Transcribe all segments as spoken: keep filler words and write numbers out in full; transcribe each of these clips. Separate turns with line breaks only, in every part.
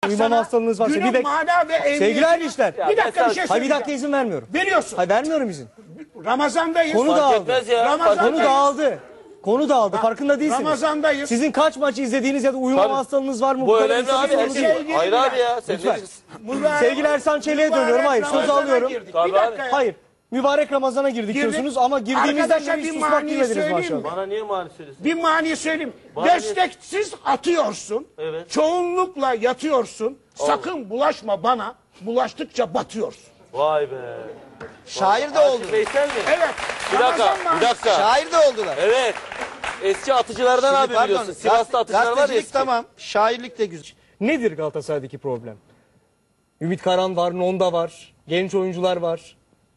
uyumama hastalığınız varsa.
Günün
Bir
mana ve emniyeti.
Sevgili Erişler.
Bir dakika bir şey söyleyeceğim.
Hayır bir dakika izin vermiyorum.
Veriyorsun.
Hayır vermiyorum izin.
Ramazandayız.
Konu dağıldı.
Ramazandayız.
Konu dağıldı. Konu dağıldı. Farkında değilsiniz.
Ramazandayız.
Sizin kaç maç izlediğiniz ya da uyumama
Tabii.
hastalığınız var mı?
Bu
kadar
önemli abi.
insan
Her
sorunu
şey.
değil.
Hayır abi ya. Sen
Lütfen.
ne-
Sevgili Ersan Çelik'e dönüyorum. Hayır söz
Ramazana
alıyorum.
girdik.
Tabii
Bir dakika ya.
Hayır. Mübarek Ramazan'a girdik,
Girdik.
diyorsunuz ama girdiğinizden
Arkadaşa
beri hiç
bir
susmak
maniyi
bilmediniz
söyleyeyim
maşallah.
mi?
Bana niye mani söylüyorsun?
Bir mani söyleyeyim.
Mani-
Desteksiz atıyorsun.
Evet.
Çoğunlukla yatıyorsun. Sakın bulaşma bana. Bulaştıkça batıyorsun.
Vay be.
Şair de oldu.
Veysel mi?
Evet.
Bir dakika,
Ramazan
bir dakika.
Şair de oldular.
Evet. Eski atıcılardan
Şimdi
abi
pardon,
biliyorsun. Sivas'ta atıcılar var ya
gazetecilik
eski.
tamam. Şairlik de güzel.
Nedir Galatasaray'daki problem? Ümit Karan var, Nonda var, genç oyuncular var.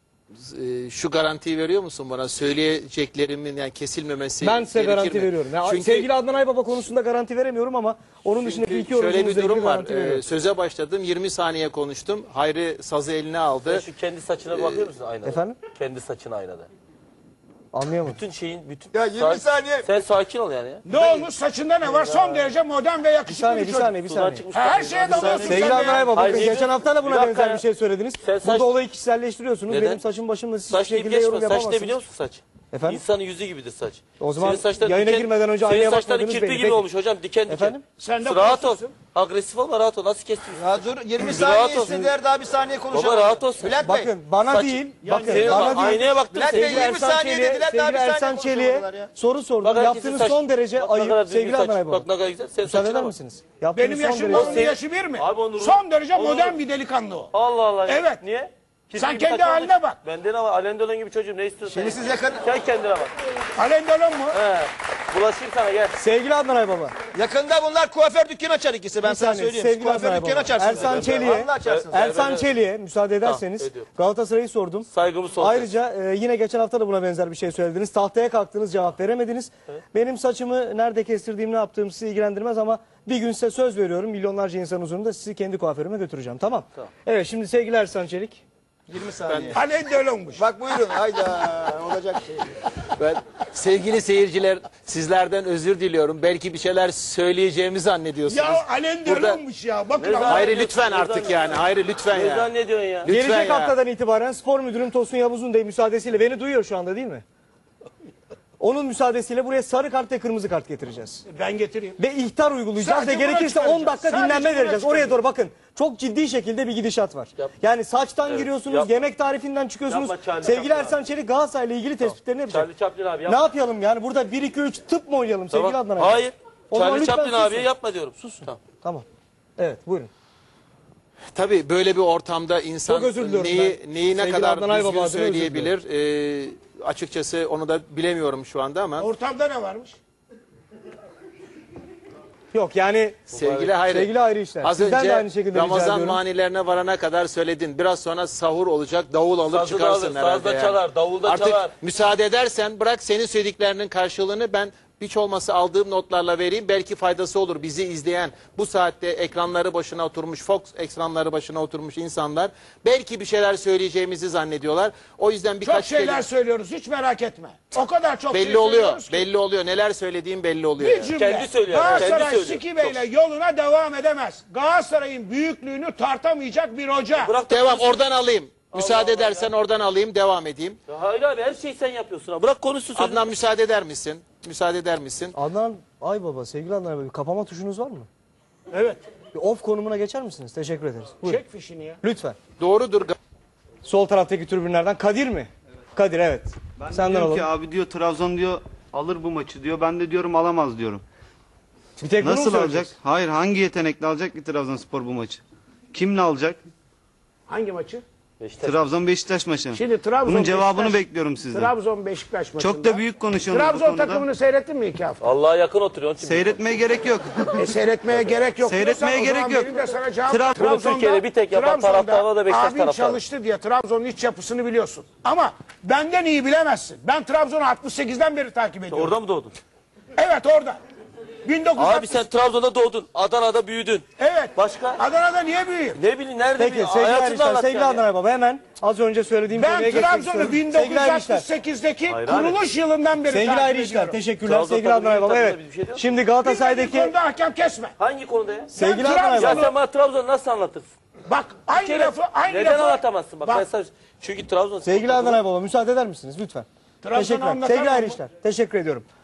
Ee, şu garantiyi veriyor musun bana? Söyleyeceklerimin yani kesilmemesi
Ben size
gerekir
garanti
mi?
veriyorum. Ya,
Çünkü
sevgili Adnan Aybaba konusunda garanti veremiyorum ama onun dışında
çünkü
iki
şöyle bir
oyuncumuzla ilgili
durum var.
garanti veriyorum.
Ee, söze başladım. yirmi saniye konuştum. Hayri sazı eline aldı.
Sen şu kendi saçına bakıyor musun aynada?
Efendim?
Kendi saçına aynada.
Anlayamadım.
Bütün şeyin, bütün...
Ya yirmi
Sa-
saniye.
Sen sakin ol yani ya.
Ne olmuş saçında ne var? Son derece modern ve
Bir
yakışıklı bir,
saniye, bir
çocuk.
saniye, bir
Sudan
saniye.
çıkmış.
Her şeye dalıyorsun sen
Sevgili
de
Adnan
ya.
Aybaba,
Hayır,
bakın
niye-
geçen hafta da
Bir
buna
dakika
benzer
ya.
bir şey söylediniz.
Sen saç-
Burada olayı kişiselleştiriyorsunuz.
Neden?
Benim saçım başımla siz hiçbir
Saç deyip
şekilde yorum
geçme. Saç ne
yapamazsınız.
biliyor musun saç?
Efendim?
İnsanın yüzü gibidir saç.
O zaman
Senin saçların
yayına
diken-
girmeden önce
senin
aynaya
saçların
bakmadınız
kirpi
belli.
gibi
Peki.
olmuş hocam, diken diken.
Efendim?
Sen de
Rahat ol.
korkuyorsun.
Agresif olma, rahat ol. Nasıl kestin?
Ya dur yirmi
Rahat
saniye
ol.
istediler daha bir saniye konuşalım.
Baba rahat olsun.
Bülent Bey.
Bakın bana
Saç-
değil,
Yani
bakın
senin
bana
bak-
değil.
aynaya baktın
Bülent
sen.
Bey,
Sevgili
yirmi
Ersan
saniye
Çelik'e,
dediler, daha
sevgili
bir saniye
Ersan Çelik'e
konuşamadılar ya.
soru sordum.
Bak herkesin
Yaptığınız
saç-
son derece
Bak ne kadar
ayıp
düzgün
sevgili
saç.
Adnan Aybaba.
Bak ne kadar güzel. Sen
Müsaade
saçına
eder
bak.
misiniz? Yaptığınız
Benim
son
yaşım
derece-
onun yaşı bir mi?
Abi onun ruhu-
Son derece
onun
modern
ruhu-
bir delikanlı o.
Allah Allah. ya.
Evet.
Niye? Kirpi
Sen
gibi
kendi
saç
haline
olmuş.
bak.
Benden ama Alendolan gibi çocuğum, ne istiyorsun?
Şimdi siz yakın,
Sen kendine bak.
Alendalon mu?
He. Bulaşayım sana, gel.
Sevgili Adnan Aybaba.
yakında bunlar kuaför dükkanı açar ikisi. Ben
Bir
sana
saniye,
söyleyeyim.
sevgili
Kuaför
Adnan
dükkanı
Aybaba.
açarsınız.
Ersan Çelik'e,
Vallahi açarsınız.
Ersan
Evet.
Çelik'e müsaade ederseniz
ediyorum.
Galatasaray'ı sordum.
Saygımı son.
Ayrıca e, yine geçen hafta da buna benzer bir şey söylediniz. Tahtaya kalktınız, cevap veremediniz. Benim saçımı nerede kestirdiğim, ne yaptığım sizi ilgilendirmez ama bir gün size söz veriyorum. Milyonlarca insan huzurunda sizi kendi kuaförüme götüreceğim. Tamam.
Tamam.
Evet, şimdi sevgili Ersan Çelik.
yirmi saniye.
Alendalonmuş.
Bak buyurun. Hayda. Olacak şey.
Ben sevgili seyirciler sizlerden özür diliyorum. Belki bir şeyler söyleyeceğimi zannediyorsunuz.
Ya Alendalonmuş ya. Bakın
Ne
ama.
Hayri lütfen artık yani. Hayri lütfen
Ne
ya.
zannediyorsun ya?
Lütfen
Gelecek
ya.
haftadan itibaren spor müdürüm Tosun Yavuz'un da müsaadesiyle beni duyuyor şu anda değil mi? Onun müsaadesiyle buraya sarı kart ve kırmızı kart getireceğiz.
Ben getireyim.
Ve ihtar uygulayacağız
Sadece
ve
buna
gerekirse on
çıkaracağız.
dakika
Sadece
dinlenme
buna
vereceğiz. Oraya
çıkaracağız.
doğru bakın. Çok ciddi şekilde bir gidişat var.
Yap.
Yani saçtan
Evet,
giriyorsunuz,
yapma.
yemek tarifinden çıkıyorsunuz.
Yapma Charlie
Sevgili
Chaplin
Ersan Çelik Galatasaray'la ilgili tespitlerini yapacak.
Charlie Chaplin abi
Ne
yapma.
yapalım yani burada bir iki üç tıp mı oynayalım sevgili
Tamam.
Adnan abi?
Hayır.
O zaman
Charlie
lütfen
Chaplin
susun.
abiye yapma diyorum. Susun. Tamam.
Tamam. Evet buyurun.
Tabii böyle bir ortamda insan
Çok özür diliyorum
neyi,
ben.
neyi ne
Sevgili
kadar
Adnan Aybaba
düzgün
adına özür
söyleyebilir. Ee, açıkçası onu da bilemiyorum şu anda ama.
Ortamda ne varmış?
Yok yani
Sevgili Hayri.
sevgili Hayri işler.
Az
Sizden
önce
de aynı şekilde rica
Ramazan
ediyorum.
manilerine varana kadar söyledin. Biraz sonra sahur olacak. Davul alıp
Sazı da
çıkarsın
alır,
herhalde.
saz da
yani.
çalar, davul da
Artık
çalar.
müsaade edersen bırak senin söylediklerinin karşılığını ben hiç olmasa aldığım notlarla vereyim. Belki faydası olur bizi izleyen bu saatte ekranları başına oturmuş, Fox ekranları başına oturmuş insanlar. Belki bir şeyler söyleyeceğimizi zannediyorlar. O yüzden
Çok
birkaç
şeyler
kelime-
söylüyoruz. Hiç merak etme. O kadar çok
belli
şey
oluyor.
söylüyoruz ki.
Belli oluyor. Neler söylediğim belli oluyor.
Bir
yani.
cümle.
Kendi söylüyor, kendi
Galatasaray
söylüyor.
Siki Bey'le yoluna devam edemez. Galatasaray'ın büyüklüğünü tartamayacak bir hoca.
Bırak da
Devam
konuşsun.
oradan alayım. Müsaade
Allah
edersen oradan alayım, devam edeyim.
Ya Hayır abi, her şeyi sen yapıyorsun. Ha. Bırak konuşsun. sözünü.
Adnan müsaade eder misin? Müsaade eder misin?
Adnan Aybaba, sevgili Adnan Aybaba bir kapama tuşunuz var mı?
Evet.
Bir off konumuna geçer misiniz? Teşekkür ederiz. Buyurun.
Çek fişini ya.
Lütfen.
Doğrudur.
Sol taraftaki tribünlerden Kadir mi? Kadir evet.
Ben
Senden
diyorum
alalım.
ki abi diyor Trabzon diyor alır bu maçı diyor. Ben de diyorum alamaz diyorum.
Bir tek bunu mu
Nasıl alacak?
söyleyeceksin?
Hayır, hangi yetenekle alacak ki Trabzonspor bu maçı? Kimle alacak?
Hangi maçı?
Beşiktaş.
Trabzon Beşiktaş maçı.
Şimdi Trabzon
Bunun cevabını
Beşiktaş-
bekliyorum sizden.
Trabzon Beşiktaş maçında.
Çok da büyük konuşuyorsunuz bu
Trabzon
konuda.
takımını seyrettin mi iki hafta?
Allah'a yakın oturuyor. Onun için
Seyretmeye gerek yok.
E, seyretmeye gerek yok.
Seyretmeye
diyorsan o
gerek
zaman
yok.
benim de sana cevap-
Trab-
Bunu Türkiye'de bir tek yapan
Trabzon'da
taraftarlar da Beşiktaş
abin
taraftarı.
çalıştı diye Trabzon'un iç yapısını biliyorsun. Ama benden iyi bilemezsin. Ben Trabzon'u altmış sekizden beri takip ediyorum.
Orada mı doğdun?
Evet orada. bin dokuz yüz altmış.
Abi sen Trabzon'da doğdun. Adana'da büyüdün.
Evet.
Başka?
Adana'da niye büyüyeyim?
Ne bileyim nerede
Peki
büyüdün?
sevgili
Hayatını
Erişler,
anlat
sevgili
yani.
Adnan Baba hemen az önce söylediğim konuya
Ben
geçmek
Trabzon'u
istiyorum.
bin dokuz
Sevgili
yüz
Erişler,
altmış sekizdeki
Hayır abi.
kuruluş yılından beri
sevgili
takip
Ayrı İşler,
ediyorum.
teşekkürler
Trabzon
sevgili Adnan Baba.
takımı
Evet.
bir şey yok.
Şimdi
Bilmediğin
Galatasaray'daki
konuda hakem kesme.
Hangi konuda ya?
sevgili
Ben
Adnan
Ya
Trabzon'u-
Baba.
sen bana Trabzon'u nasıl anlatırsın?
Bak aynı
Kere-
lafı aynı
Neden
lafı.
anlatamazsın? Bak,
Bak,
ben sana... Çünkü Trabzon...
Sevgili Adnan Baba müsaade eder misiniz lütfen?
Trabzon'u
Teşekkürler.
anlatamam
Sevgili
mı?
Ayrı İşler, teşekkür ediyorum.